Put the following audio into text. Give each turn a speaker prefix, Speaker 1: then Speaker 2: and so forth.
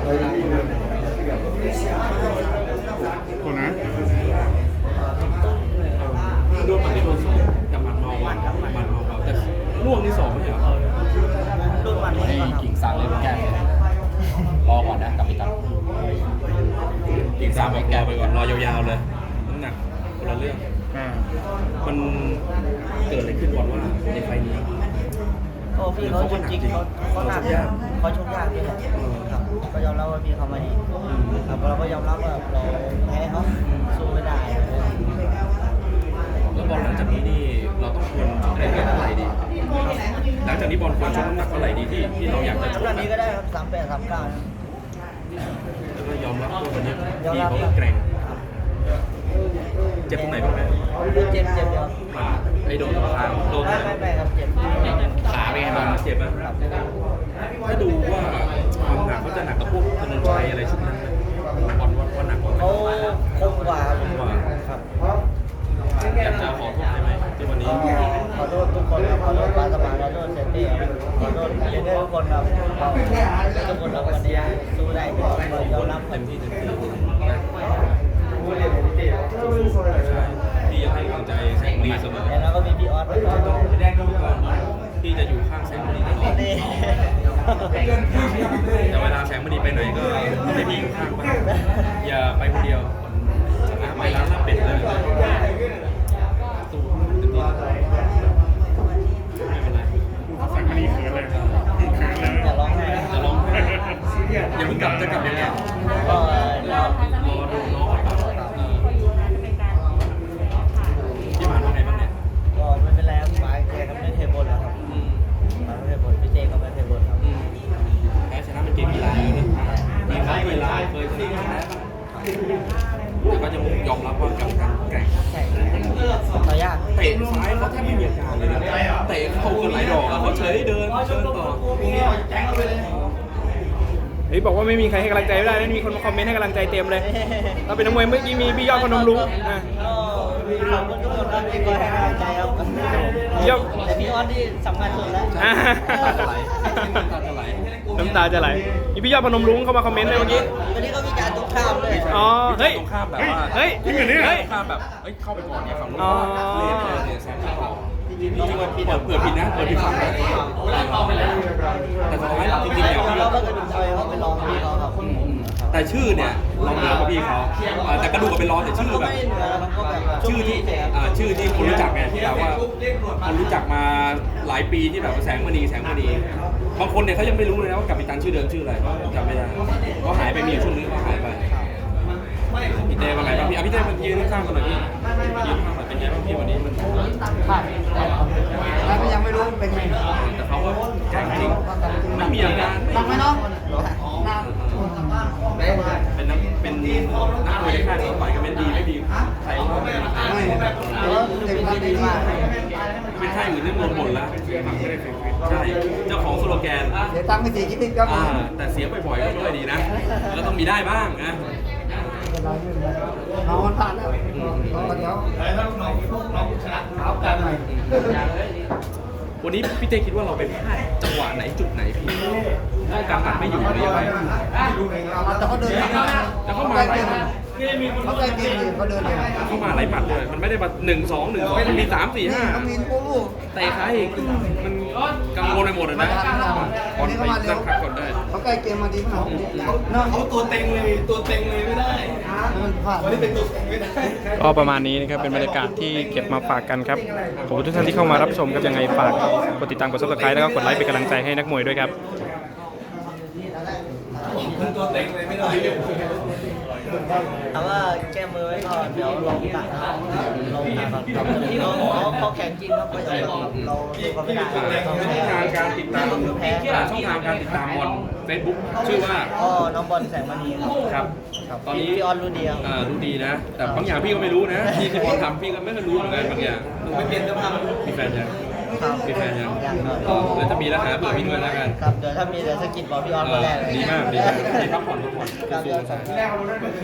Speaker 1: คนนะ
Speaker 2: โดนหมัดที่โดนสองกับหมัดเมาหมัดเมาแต่ล่วงที่สองไม่ใช่เหรอ
Speaker 3: โดนหมัดให้
Speaker 4: กิ่งซางเลยแก้รอก่อนนะกับพี่ตั๊ก
Speaker 2: กิ่งซางบอกรอไปก่อนรอยาวๆเลยน้ำหนักคนละเรื่องมันเกิดอะไรขึ้นก่อนว่าในไฟนี้
Speaker 3: โอ้พี่เขาจริงๆเขาหนักเขาชกยากพี่ครับก็ยอมรับว่าพี่เขาไม่ดีครับเราก็ยอมรับว่าเราแพ้เขาสู้ไม่ได้
Speaker 2: แล้วบอลหลังจากนี้นี่เราต้องควรชกในเวทเท่าไหร่ดีหลังจากนี้บอลควรชกน้ำหนักเท่าไหร่ดีที่เราอยากจะชก
Speaker 3: น้ำหนักนี้ก็ได้ครับ38 39
Speaker 2: แล้วก็ยอมรับว่าวันนี้พี่เขาแกร่งเจ็บตรงไหนบ้างไหม
Speaker 3: เจ็บเดียว
Speaker 2: ไอ้โดนขาโดน
Speaker 3: ไม่ครับเจ็บ
Speaker 2: ขาเป็นไงบ้างเจ็บไหมถ้าดูว่าความหนักเขาจะหนักกับพวกธนนชัยอะไรชุดนั้นบอลว่าหนักกว่า
Speaker 3: เขาคมกว่าครับ
Speaker 2: อยากจะขอโทษได้ไหมที่วันนี้
Speaker 3: ขอโทษทุกคนขอโทษปาสมานขอโทษเซนตี้ขอโทษเจเนอร์ทุกคนครับทุกคนเราวันนี้สู้ได้ยอมรับ
Speaker 2: เต็มที่พี่ยังให้กำลังใจแสงมณีเสมอ
Speaker 3: แล้วก็มีพี่ออส
Speaker 2: พี่จะอยู่ข้างแสงมณีตลอดแต่เวลาแสงมณีไปไหนก็ให้พี่อยู่ข้างบ้างอย่าไปคนเดียวไปร้านลาบเป็ดเลยสู้เต็มที่ไม่เป็นไร
Speaker 1: แสงมณีเขินเลย
Speaker 3: จะร้องไห้
Speaker 2: อย่าเพิ่งกลับจะกลับยังไง
Speaker 3: ก็
Speaker 2: รอดูน้องที่ผ่านมาไงบ้างเนี่ย
Speaker 3: ก็ไม่เป็นไรครับปายเจก็ไม่เทบนแล้วครับปายไม่เทบนพี่เจก็ไม่เทบนครับ
Speaker 2: แพ้ชนะเป็นเกมกีฬาอยู่นะมีใครเคยชนะแต่ก็จะยอมรับว่ากรรมการแกร่ง
Speaker 3: ต่อยาก
Speaker 2: เตะซ้ายเขาแทบไม่มีอาการเลยนะเตะเข้ากันหลายดอกเขาเฉยเดินต่อ
Speaker 1: เฮ้ยบอกว่าไม่มีใครให้กำลังใจไม่ได้นั่นมีคนมาคอมเมนต์ให้กำลังใจเต็มเลยเราเป็นนักมวยเมื่อกี้มีพี่ยอดพนมรุ้ง
Speaker 3: ขอบคุณทุกคนที่คอยให้กำลังใจครับแต่พี่ออสที่สำคัญสุดแล้ว
Speaker 1: น้ำตาจะไหลมีพี่ยอดพนมรุ้งเข้ามาคอมเมนต์เลยเมื่อกี้
Speaker 3: วันนี้ก็มีการตรงข้ามเลย
Speaker 1: อ๋อเฮ้ย
Speaker 2: ตรงข้ามแบบว่า
Speaker 1: เฮ้ย
Speaker 2: ที่เหมือนนี่ตรงข้ามแบบเข้าไปก่อนเนี่ยฝั่งนู้นเล่นเนี่ยแซงเข้าเปิดผิดนะเปิดผิดฝั่งนะแต่สุดท้ายจริงๆเนี่ย
Speaker 3: เราก็จะดูใจเขาไปลองพี่เขาครับ
Speaker 2: แต่ชื่อเนี่ยเราเหนือกว่าพี่เขาแต่กระดูกก็เป็นร้อนแต่ชื่อแบบชื่อที่คนรู้จักไงที่แบบว่าคนรู้จักมาหลายปีที่แบบแสงมณีบางคนเนี่ยเขายังไม่รู้เลยนะว่ากัปตันชื่อเดิมชื่ออะไรจำไม่ได้ก็หายไปมีช่วงนึงก็หายไปพี่เต้ว่าไงบ้างพี่เต้มันยืนข้างกันหน่อยพี่ยืนข้างหน่อยเป็นไงบ้างพี่วันนี้มัน
Speaker 3: แล้วก็ยังไม่รู้เป็นไง
Speaker 2: แต่เขาก็แข็งจริงไม่มีอาการ
Speaker 3: ฟังไหมน้อง
Speaker 2: เป็นนักมวยในค่ายต่อยกันเป็นดีไม่ดีใครก็ไม่เป็นค่ายอื่นเรื่องหมดแล้วใช่เจ้าของสโลแกน
Speaker 3: เสียตังค์ไป4 คิดก็
Speaker 2: แต่เสียบ่อยๆก็ด้วยดีนะแล้วต้องมีได้บ้างนะ
Speaker 3: น้องมันผ่านแล้วเดี๋ยวน้องชนะเท้ากันหน่อย
Speaker 2: วันนี้พี่เต้คิดว่าเราไปพลาดจังหวะไหนจุดไหนพี่การตัดไม่อยู่หรือยังไง
Speaker 3: แต่เขาเดิน
Speaker 2: แต่เขามาหลายปัด
Speaker 3: เขาได้เกมเขาเดิน
Speaker 2: เขามาหลายปัดเลยมันไม่ได้มา1-2มันมี3-4-5
Speaker 3: เขามีโอ้โห
Speaker 2: เตะขาอีกมันกังวลไปหมดเลยนะก่อนไปนั่งพักก่อนได้
Speaker 3: เขาใกล้เกมมาดีมาก
Speaker 4: เขาตัวเต็งเลยไม่ได้วันนี้เป็นตัวเต็งไม่ได้
Speaker 1: ก็ประมาณนี้นะครับเป็นบรรยากาศที่เก็บมาฝากกันครับขอบคุณทุกท่านที่เข้ามารับชมครับยังไงฝากกดติดตามกด Subscribe แล้วก็กดไลค์เป็นกำลังใจให้นักมวยด้วยครับ
Speaker 4: ตัวเต็งเลยไม่ได้
Speaker 3: แต่ว่าแก้มือไว้ก่อนเดี๋ยวลองตัดเขาแข็งจริงครับเราดูเขาไม่ได้
Speaker 2: ช่องทางการติดตามบอล Facebook ชื่อว่า
Speaker 3: น้องบอลแสงมณี
Speaker 2: ครับ
Speaker 3: ตอนนี้พี่ออนรู้ดี
Speaker 2: รู้ดีนะแต่บางอย่างพี่ก็ไม่รู้นะที่บอลทำพี่ก็ไม่รู้เหมือนกันบางอย่าง
Speaker 4: ไม่เปลี่ยนเดิมพัน
Speaker 2: มีแฟนยังแล้วจะมีแล้วหาเบอร์พี่ด้วยแล้วกัน
Speaker 3: ครับเดี๋ยวถ้ามีเดี๋ยวสกิดบอกพี่ออนมาแรกเลย
Speaker 2: ดีมากดีพักผ่อนสู้